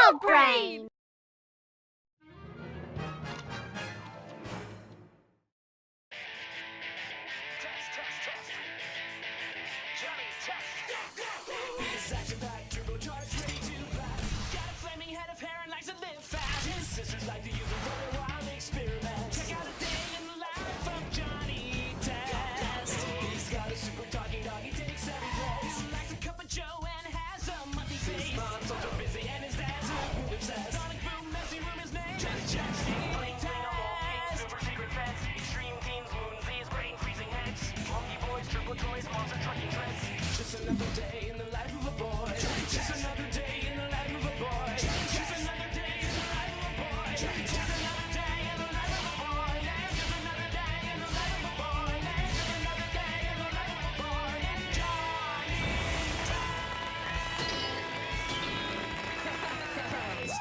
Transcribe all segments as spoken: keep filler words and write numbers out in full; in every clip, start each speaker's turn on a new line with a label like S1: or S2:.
S1: Adult Brain.
S2: Test, test, test. Johnny, test. His action-packed turbocharged, ready to blast. Got a flaming head of hair and likes to live fast. His sisters like to use him for their wild experiments. Check out a day in the life of Johnny Test. He's got a super talking dog, he takes every place. He likes a cup of Joe and has a monkey face. His mom's also busy and his dad's a food obsessed. Sonic Boom, messy room, his name just checks. Plain dynamo, pink, super secret fence. Extreme teens, moonsies, brain freezing heads. Monkey boys, triple toys, monster trucking tricks. Just another day in the life of a boy. Just another day in the life of a boy. Just another day in the life of a boy. Just another day in the life of a boy. Just another day in the life of a boy. Just another day in the life of a boy. And Johnny Test.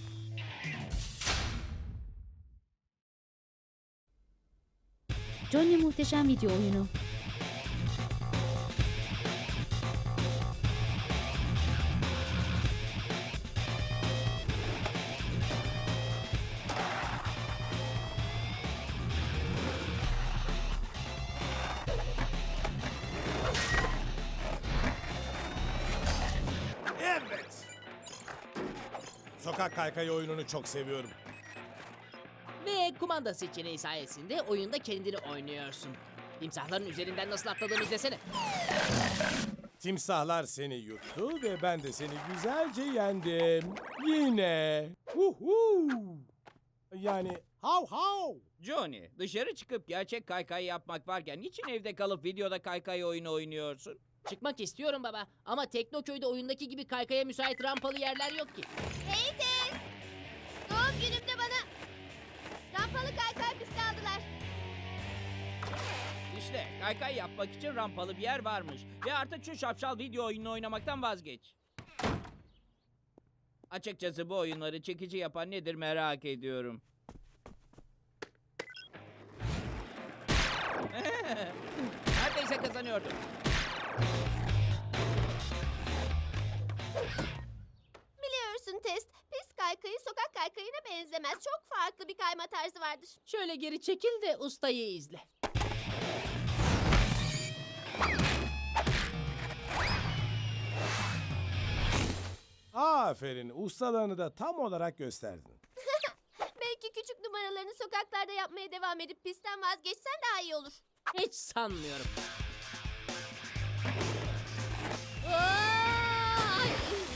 S3: Johnny Muhteşem Video Oyunu.
S4: Evet. Sokak kaykayı oyununu çok seviyorum.
S5: Ve kumanda seçeneği sayesinde oyunda kendini oynuyorsun. Timsahların üzerinden nasıl atladığını izlesene.
S4: Timsahlar seni yuttu ve ben de seni güzelce yendim. Yine. Huhu. Yani hav hav.
S6: Johnny, dışarı çıkıp gerçek kaykay yapmak varken niçin evde kalıp videoda kaykay oyunu oynuyorsun?
S5: Çıkmak istiyorum baba ama Teknoköy'de oyundaki gibi kaykaya müsait rampalı yerler yok ki.
S1: Hey Tez. Doğum günümde bana rampalı kaykay pisti aldılar.
S6: İşte kaykay yapmak için rampalı bir yer varmış. Ve artık şu şapşal video oyununu oynamaktan vazgeç. Açıkçası bu oyunları çekici yapan nedir merak ediyorum. Neredeyse kazanıyordum.
S1: Biliyorsun Test, pist kaykayı sokak kaykayına benzemez. Çok farklı bir kayma tarzı vardır.
S5: Şöyle geri çekil de ustayı izle.
S4: Aferin. Ustalığını da tam olarak gösterdin.
S1: Belki küçük numaralarını sokaklarda yapmaya devam edip pistten vazgeçsen daha iyi olur.
S5: Hiç sanmıyorum.
S1: Ay!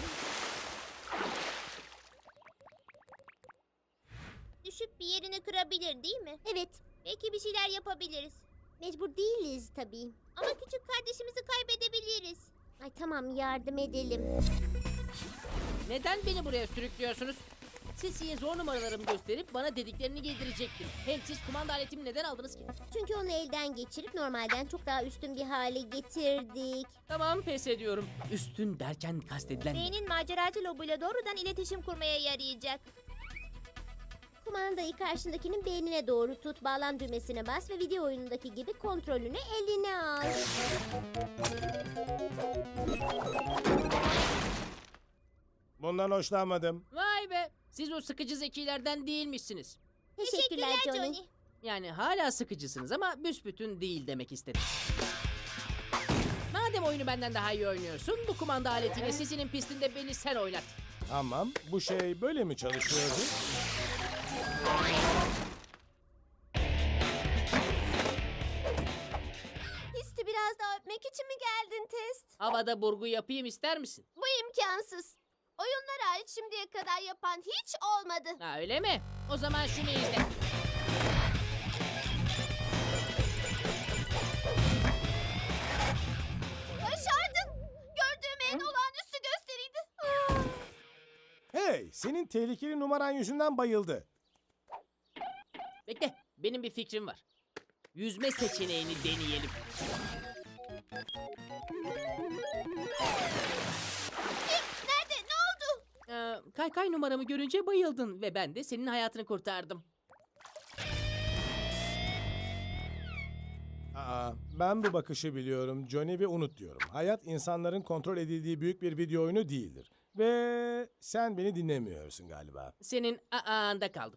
S1: Düşüp bir yerini kırabilir değil mi? Evet. Belki bir şeyler yapabiliriz. Mecbur değiliz tabii. Ama küçük kardeşimizi kaybedebiliriz. Ay tamam yardım edelim.
S5: Neden beni buraya sürüklüyorsunuz? Sisi'ye zor numaralarımı gösterip bana dediklerini giydirecektim. Hem siz kumanda aletimi neden aldınız ki?
S1: Çünkü onu elden geçirip normalden çok daha üstün bir hale getirdik.
S5: Tamam pes ediyorum. Üstün derken kastedilen ne?
S1: Beynin maceracı lobuyla doğrudan iletişim kurmaya yarayacak. Kumandayı karşındakinin beynine doğru tut, bağlan düğmesine bas ve video oyunundaki gibi kontrolünü eline al.
S4: Bundan hoşlanmadım.
S5: Vay be! Siz o sıkıcı zekilerden değilmişsiniz.
S1: Teşekkürler Johnny.
S5: Yani hala sıkıcısınız ama büsbütün değil demek istedim. Madem oyunu benden daha iyi oynuyorsun, bu kumanda aletiyle Sisi'nin pistinde beni sen oynat.
S4: Tamam. Bu şey böyle mi çalışıyordu?
S1: Pisti biraz daha öpmek için mi geldin Test?
S5: Havada burgu yapayım ister misin?
S1: Bu imkansız. Oyunlar hariç şimdiye kadar yapan hiç olmadı.
S5: Ha öyle mi? O zaman şunu izle.
S1: Başardın. Gördüğüm en olağanüstü gösteriydi. Ah.
S4: Hey, senin tehlikeli numaran yüzünden bayıldı.
S5: Bekle, benim bir fikrim var. Yüzme seçeneğini deneyelim.
S1: Nerede? Ne oldu?
S5: Ee, kaykay numaramı görünce bayıldın ve ben de senin hayatını kurtardım.
S4: Aa, ben bu bakışı biliyorum Johnny ve unut diyorum. Hayat insanların kontrol edildiği büyük bir video oyunu değildir. Ve sen beni dinlemiyorsun galiba.
S5: Senin a'anda kaldım.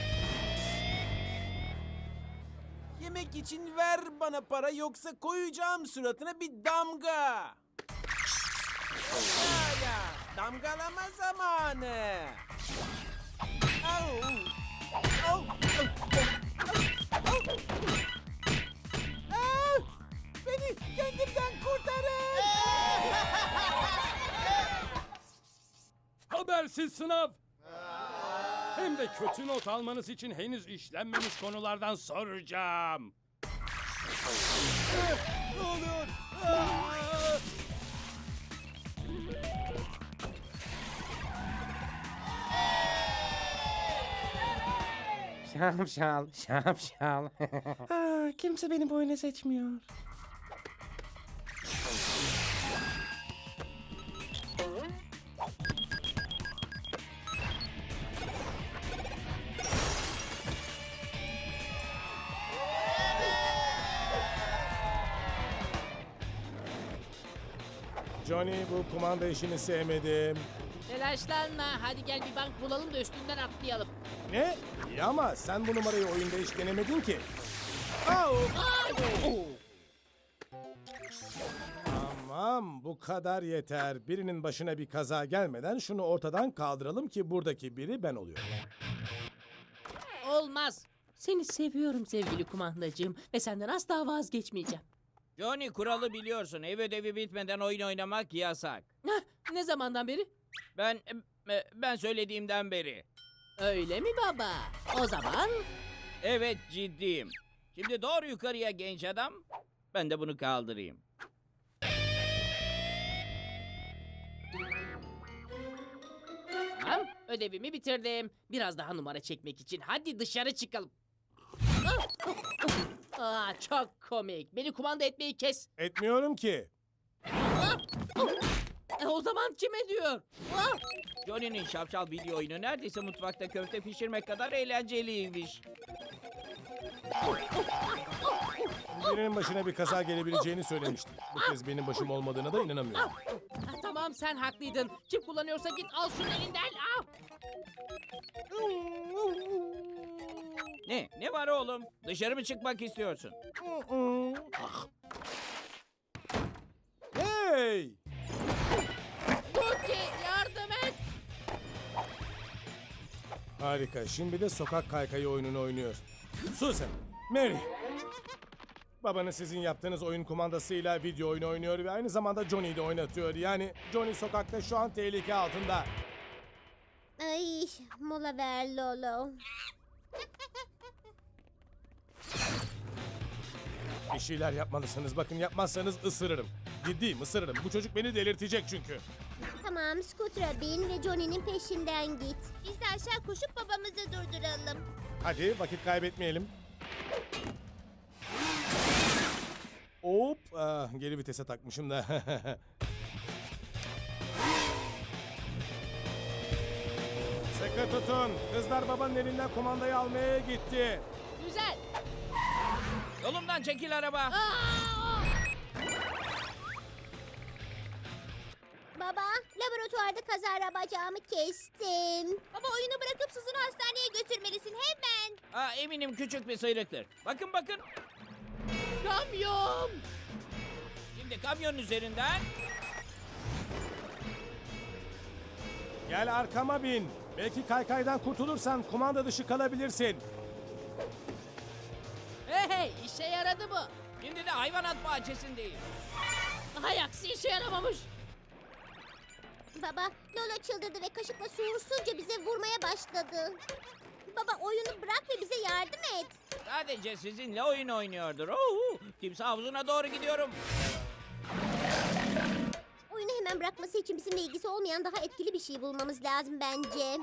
S3: Yemek için ver bana para yoksa koyacağım suratına bir damga. Ya ya, damgalama zamanı. Au. Au. Au. Au. Aa, beni kendimden kurtarın.
S7: Habersiz sınav. Hem de kötü not almanız için henüz işlenmemiş konulardan soracağım.
S3: Ne oluyor? Aa!
S8: Şapşal, şapşal. Aa, kimse beni bu oyuna seçmiyor.
S4: Johnny, bu kumanda işini sevmedim.
S5: Telaşlanma. Hadi gel bir bank bulalım da üstünden atlayalım.
S4: Ne? İyi ama sen bu numarayı oyunda hiç denemedin ki. Au! Tamam, bu kadar yeter. Birinin başına bir kaza gelmeden şunu ortadan kaldıralım ki buradaki biri ben oluyorum.
S5: Olmaz. Seni seviyorum sevgili kumandacığım ve senden asla vazgeçmeyeceğim.
S6: Johnny, kuralı biliyorsun. Ev ödevi bitmeden oyun oynamak yasak.
S5: Hah, ne zamandan beri?
S6: Ben e, ben söylediğimden beri.
S5: Öyle mi baba? O zaman
S6: Evet, ciddiyim. Şimdi doğru yukarıya genç adam. Ben de bunu kaldırayım.
S5: tamam, ödevimi bitirdim. Biraz daha numara çekmek için hadi dışarı çıkalım. Aa, çok komik. Beni kumanda etmeyi kes.
S4: Etmiyorum ki.
S5: E, o zaman kime diyor? Ah!
S6: Johnny'nin şapşal video oyunu neredeyse mutfakta köfte pişirmek kadar eğlenceliymiş.
S4: Birinin başına bir kaza gelebileceğini söylemiştim. Bu kez benim başım olmadığına da inanamıyorum.
S5: Ah, tamam sen haklıydın. Kim kullanıyorsa git al şunu elinden. Al.
S6: Ne? Ne var oğlum? Dışarı mı çıkmak istiyorsun?
S4: Hey!
S5: Cookie yardım et.
S4: Harika. Şimdi de sokak kaykayı oyununu oynuyor. Susan, Mary. Babanız sizin yaptığınız oyun kumandasıyla video oyunu oynuyor ve aynı zamanda Johnny'yi de oynatıyor. Yani Johnny sokakta şu an tehlike altında.
S1: Ay, mola ver Lolo.
S4: Bir şeyler yapmalısınız. Bakın yapmazsanız ısırırım. Ciddiyim, ısırırım. Bu çocuk beni delirtecek çünkü.
S1: Tamam, Scooter'a bin ve Johnny'nin peşinden git. Biz de aşağı koşup babamızı durduralım.
S4: Hadi vakit kaybetmeyelim. Hop, ah, geri vitese takmışım da. Sıkı tutun. Kızlar babanın elinden kumandayı almaya gitti.
S5: Güzel.
S6: Yolumdan çekil araba.
S5: Aa!
S1: Baba, laboratuvarda kazara bacağımı kestim. Baba oyunu bırakıp Susan'ı hastaneye götürmelisin hemen.
S6: Aa, eminim küçük bir sıyrıktır. Bakın bakın.
S5: Kamyon.
S6: Şimdi kamyonun üzerinden.
S4: Gel arkama bin. Belki kaykaydan kurtulursan kumanda dışı kalabilirsin.
S5: Hey hey işe yaradı bu.
S6: Şimdi de hayvanat bahçesindeyiz.
S5: Hay aksi işe yaramamış.
S1: Baba, Lolo çıldırdı ve kaşıkla suursunca bize vurmaya başladı. Baba oyunu bırak ve bize yardım et.
S6: Sadece sizinle oyun oynuyordur. Ohu, timsah havuzuna doğru gidiyorum.
S1: Oyunu hemen bırakması için bizimle ilgisi olmayan daha etkili bir şey bulmamız lazım bence.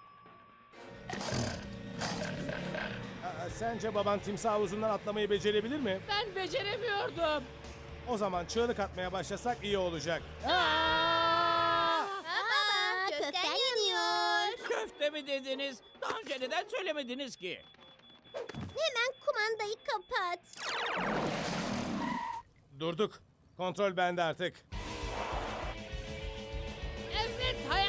S4: Aa, sence baban timsah havuzundan atlamayı becerebilir mi?
S5: Ben beceremiyordum.
S4: O zaman çığlık atmaya başlasak iyi olacak.
S1: Baba, köften yanıyor.
S6: Köfte mi dediniz? Daha önce neden söylemediniz ki?
S1: Hemen kumandayı kapat.
S4: Durduk. Kontrol bende artık.
S5: Evet hay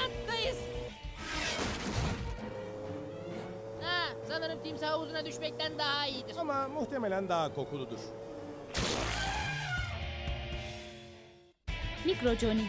S5: havuzuna düşmekten daha iyidir.
S4: Ama muhtemelen daha kokuludur.
S9: Mikro Johnny.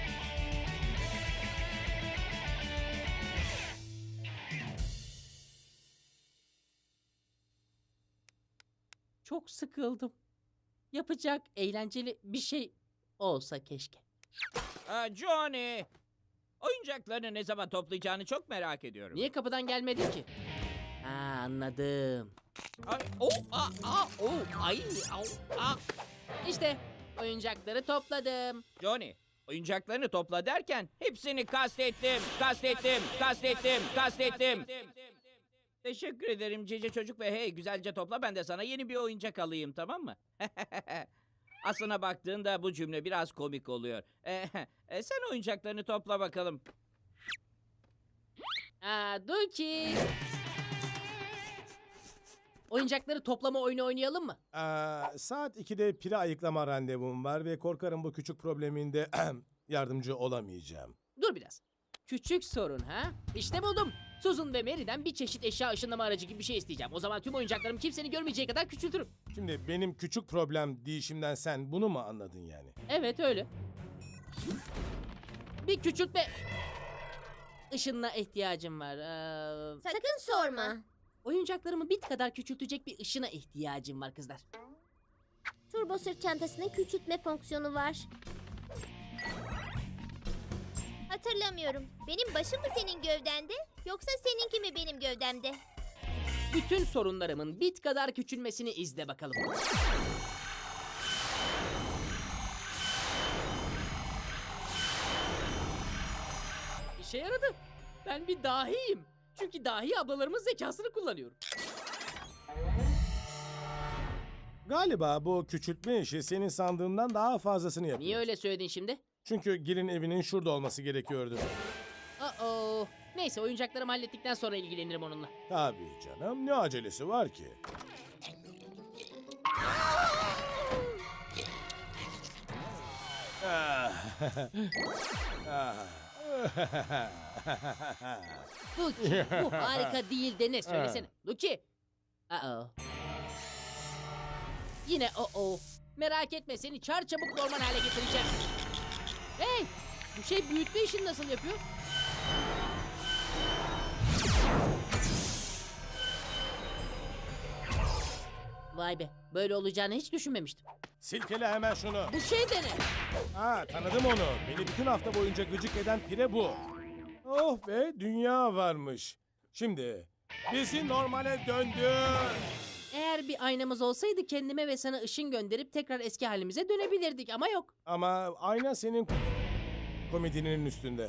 S5: Çok sıkıldım. Yapacak eğlenceli bir şey olsa keşke.
S6: Aa, Johnny! Oyuncaklarını ne zaman toplayacağını çok merak ediyorum.
S5: Niye kapıdan gelmedin ki? Ha, anladım.
S6: Ay, oh, aa, aa, oh, ay, au, aa.
S5: İşte oyuncakları topladım.
S6: Johnny, oyuncaklarını topla derken hepsini kastettim, kastettim, kastettim, kastettim. Teşekkür ederim cici çocuk ve hey güzelce topla ben de sana yeni bir oyuncak alayım tamam mı? Aslına baktığında bu cümle biraz komik oluyor. Eh, e, sen oyuncaklarını topla bakalım.
S5: Aa, Duki. Oyuncakları toplama oyunu oynayalım mı?
S4: Aa, saat ikide pire ayıklama randevum var ve korkarım bu küçük probleminde yardımcı olamayacağım.
S5: Dur biraz. Küçük sorun ha? İşte buldum. Susan ve Mary'den bir çeşit eşya ışınlama aracı gibi bir şey isteyeceğim. O zaman tüm oyuncaklarımı kimsenin görmeyeceği kadar küçültürüm.
S4: Şimdi benim küçük problem değişimden sen bunu mu anladın yani?
S5: Evet öyle. Bir küçültme ışınına ihtiyacım var. Ee,
S1: Sakın sorma.
S5: oyuncaklarımı bit kadar küçültecek bir ışına ihtiyacım var kızlar.
S1: Turbo sırt çantasının küçültme fonksiyonu var. Hatırlamıyorum. Benim başım mı senin gövdende yoksa seninki mi benim gövdemde?
S5: Bütün sorunlarımın bit kadar küçülmesini izle bakalım. İşe yaradı. Ben bir dahiyim. Çünkü dahi ablalarımın zekasını kullanıyorum.
S4: Galiba bu küçültme işi senin sandığından daha fazlasını yapıyor.
S5: Niye öyle söyledin şimdi?
S4: Çünkü Gil'in evinin şurada olması gerekiyordu.
S5: Uh-oh. Neyse oyuncaklarımı hallettikten sonra ilgilenirim onunla.
S4: Tabii canım, ne acelesi var ki? Ah. Ah.
S5: Lucky bu harika değil de ne söylesene. Lucky. Uh-oh. Yine oh-oh. Merak etme seni çarçabuk normal hale getireceğim. Hey! Bu şey büyütme işini nasıl yapıyor? Vay be, böyle olacağını hiç düşünmemiştim.
S4: Silkele hemen şunu.
S5: Bu şey de ne?
S4: Ha, tanıdım onu. Beni bütün hafta boyunca gıcık eden pire bu. Oh be, dünya varmış. Şimdi bizi normale döndür.
S5: Eğer bir aynamız olsaydı kendime ve sana ışın gönderip tekrar eski halimize dönebilirdik ama yok.
S4: Ama ayna senin komedinin üstünde.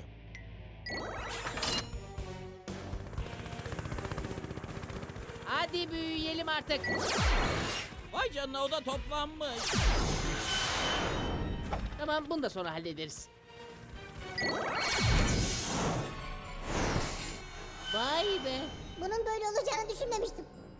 S5: Hadi büyüyelim artık.
S6: Vay canına o da toplanmış.
S5: Tamam bunu da sonra hallederiz. Vay be.
S1: Bunun böyle olacağını düşünmemiştim.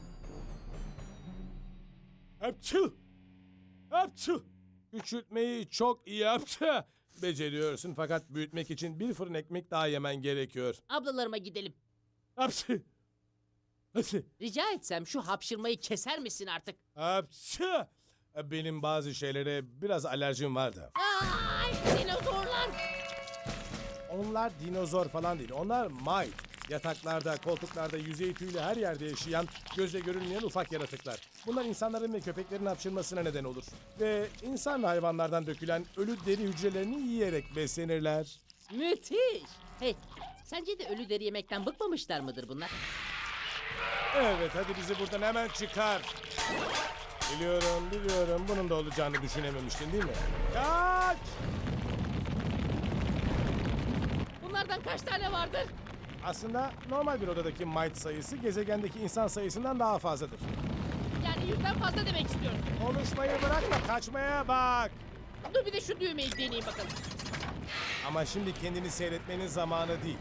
S4: Hapçı! Hapçı! Küçültmeyi çok iyi yaptı. Beceriyorsun fakat büyütmek için bir fırın ekmek daha yemen gerekiyor.
S5: Ablalarıma gidelim.
S4: Hapçı! Hapçı!
S5: Rica etsem şu hapşırmayı keser misin artık?
S4: Hapçı! Benim bazı şeylere biraz alerjim var da.
S5: Ay dinozorlar.
S4: Onlar dinozor falan değil. Onlar mite. Yataklarda, koltuklarda, yüzey tüyüyle her yerde yaşayan, gözle görünmeyen ufak yaratıklar. Bunlar insanların ve köpeklerin hapşırmasına neden olur. Ve insan ve hayvanlardan dökülen ölü deri hücrelerini yiyerek beslenirler.
S5: Müthiş. Hey sence de ölü deri yemekten bıkmamışlar mıdır bunlar?
S4: Evet, hadi bizi buradan hemen çıkar. Biliyorum, biliyorum. Bunun da olacağını düşünememiştin değil mi? Kaç!
S5: Bunlardan kaç tane vardır?
S4: Aslında normal bir odadaki mite sayısı gezegendeki insan sayısından daha fazladır.
S5: Yani yüzden fazla demek istiyorum.
S4: Konuşmayı bırak da kaçmaya bak.
S5: Dur bir de şu düğmeyi deneyeyim bakalım.
S4: Ama şimdi kendini seyretmenin zamanı değil.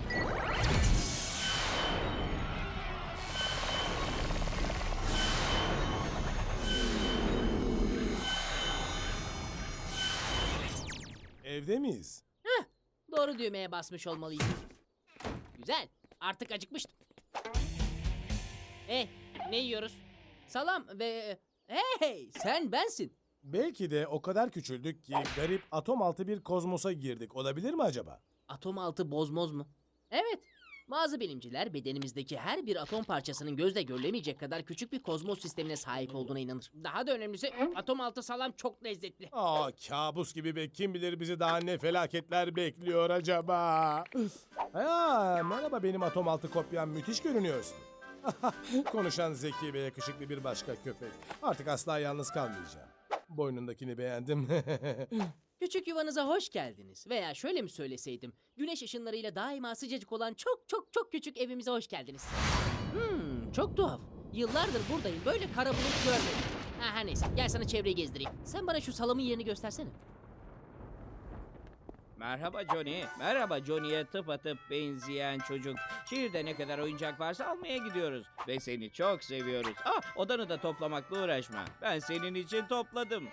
S4: Evde miyiz?
S5: Heh, doğru düğmeye basmış olmalıyım. Güzel. Artık acıkmıştım. Hey, ne yiyoruz? Salam ve... Hey, sen bensin.
S4: Belki de o kadar küçüldük ki garip atom altı bir kozmosa girdik. Olabilir mi acaba?
S5: Atom altı bozmoz mu? Evet. Bazı bilimciler bedenimizdeki her bir atom parçasının gözle görülemeyecek kadar küçük bir kozmos sistemine sahip olduğuna inanır. Daha da önemlisi atom altı salam çok lezzetli.
S4: Aa, kabus gibi be. Kim bilir bizi daha ne felaketler bekliyor acaba? Aa, merhaba, benim atom altı kopyam, müthiş görünüyorsun. Konuşan zeki ve yakışıklı bir başka köpek. Artık asla yalnız kalmayacağım. Boynundakini beğendim.
S5: Küçük yuvanıza hoş geldiniz. Veya şöyle mi söyleseydim, güneş ışınlarıyla daima sıcacık olan çok çok çok küçük evimize hoş geldiniz. Hmm, çok tuhaf. Yıllardır buradayım, böyle kara bulut görmedim. Ha, her neyse, gel sana çevreyi gezdireyim. Sen bana şu salamın yerini göstersene.
S6: Merhaba Johnny. Merhaba Johnny'ye tıpatıp benzeyen çocuk. Şehirde ne kadar oyuncak varsa almaya gidiyoruz. Ve seni çok seviyoruz. Ah, odanı da toplamakla uğraşma. Ben senin için topladım.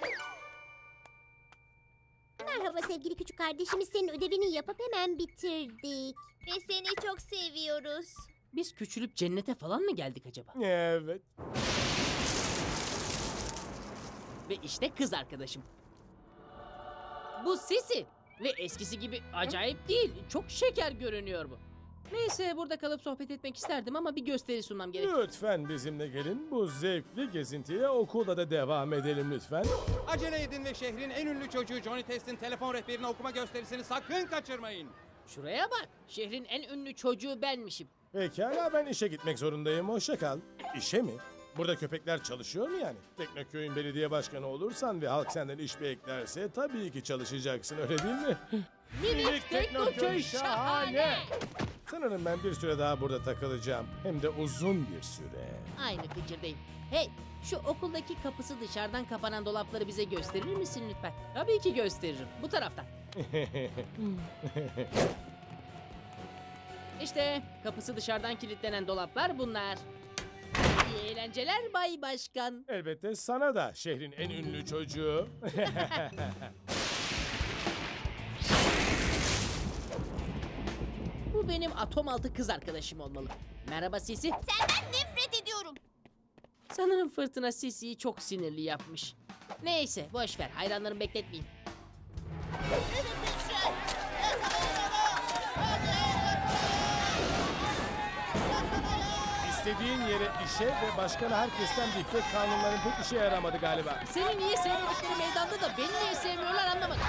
S1: Merhaba sevgili küçük kardeşimiz, senin ödevini yapıp hemen bitirdik. Ve seni çok seviyoruz.
S5: Biz küçülüp cennete falan mı geldik acaba?
S4: Evet.
S5: Ve işte kız arkadaşım. Bu Sisi. Ve eskisi gibi acayip değil. Çok şeker görünüyor bu. Neyse, burada kalıp sohbet etmek isterdim ama bir gösteri sunmam gerek.
S4: Lütfen bizimle gelin. Bu zevkli gezintiye okulda da devam edelim lütfen.
S8: Acele edin ve şehrin en ünlü çocuğu Johnny Test'in telefon rehberini okuma gösterisini sakın kaçırmayın.
S5: Şuraya bak. Şehrin en ünlü çocuğu benmişim.
S4: Pekala, ben işe gitmek zorundayım. Hoşça kal. İşe mi? Burada köpekler çalışıyor mu yani? Teknoköy'ün belediye başkanı olursan ve halk senden iş beklerse tabii ki çalışacaksın, öyle değil mi?
S5: Minik Teknoköy şahane.
S4: Sanırım ben bir süre daha burada takılacağım. Hem de uzun bir süre.
S5: Aynı fikirdeyim. Hey, şu okuldaki kapısı dışarıdan kapanan dolapları bize gösterir misin lütfen? Tabii ki gösteririm. Bu taraftan. İşte kapısı dışarıdan kilitlenen dolaplar bunlar. İyi eğlenceler Bay Başkan.
S4: Elbette sana da, şehrin en ünlü çocuğu.
S5: Bu benim atom altı kız arkadaşım olmalı. Merhaba Sisi.
S1: Senden nefret ediyorum.
S5: Sanırım fırtına Sisi'yi çok sinirli yapmış. Neyse, boş ver, hayranlarımı bekletmeyeyim.
S4: İstediğin yere işe ve başkana herkesten dikkat, kanunların pek işe yaramadı galiba.
S5: Seni niye sevmedikleri meydanda da beni niye sevmiyorlar anlamadım.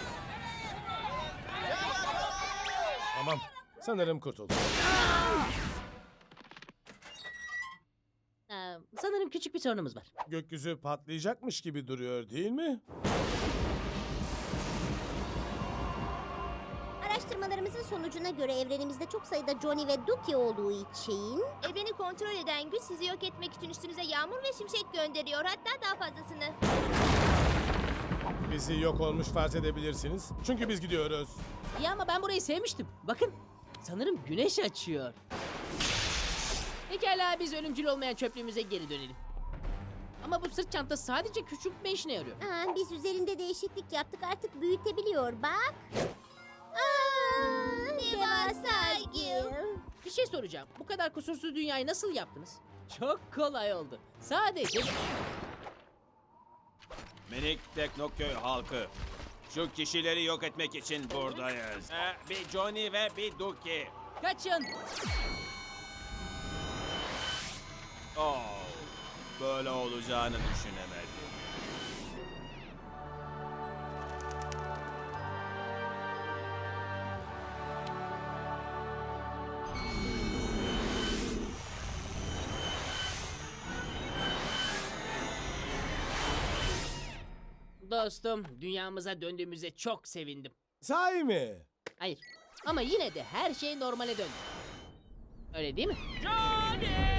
S4: Tamam, sanırım kurtuldum.
S5: Ee, sanırım küçük bir sorunumuz var.
S4: Gökyüzü patlayacakmış gibi duruyor, değil mi?
S1: Araştırmalarımızın sonucuna göre evrenimizde çok sayıda Johnny ve Duki olduğu için... Evreni kontrol eden güç sizi yok etmek için üstünüze yağmur ve şimşek gönderiyor. Hatta daha fazlasını.
S4: Bizi yok olmuş farz edebilirsiniz. Çünkü biz gidiyoruz.
S5: İyi ama ben burayı sevmiştim. Bakın, sanırım güneş açıyor. Pekala, biz ölümcül olmayan çöplüğümüze geri dönelim. Ama bu sırt çantası sadece küçültme işine yarıyor.
S1: Aa, biz üzerinde değişiklik yaptık, artık büyütebiliyor bak. Aa, devasa Gil.
S5: Bir şey soracağım. Bu kadar kusursuz dünyayı nasıl yaptınız? Çok kolay oldu. Sadece...
S9: Minik Teknoköy halkı. Şu kişileri yok etmek için buradayız. Ee, bir Johnny ve bir Duki.
S5: Kaçın!
S9: Oh, böyle olacağını düşünemedim.
S5: Dostum, dünyamıza döndüğümüze çok sevindim.
S4: Sahi mi?
S5: Hayır, ama yine de her şey normale döndü. Öyle değil mi?
S6: Johnny!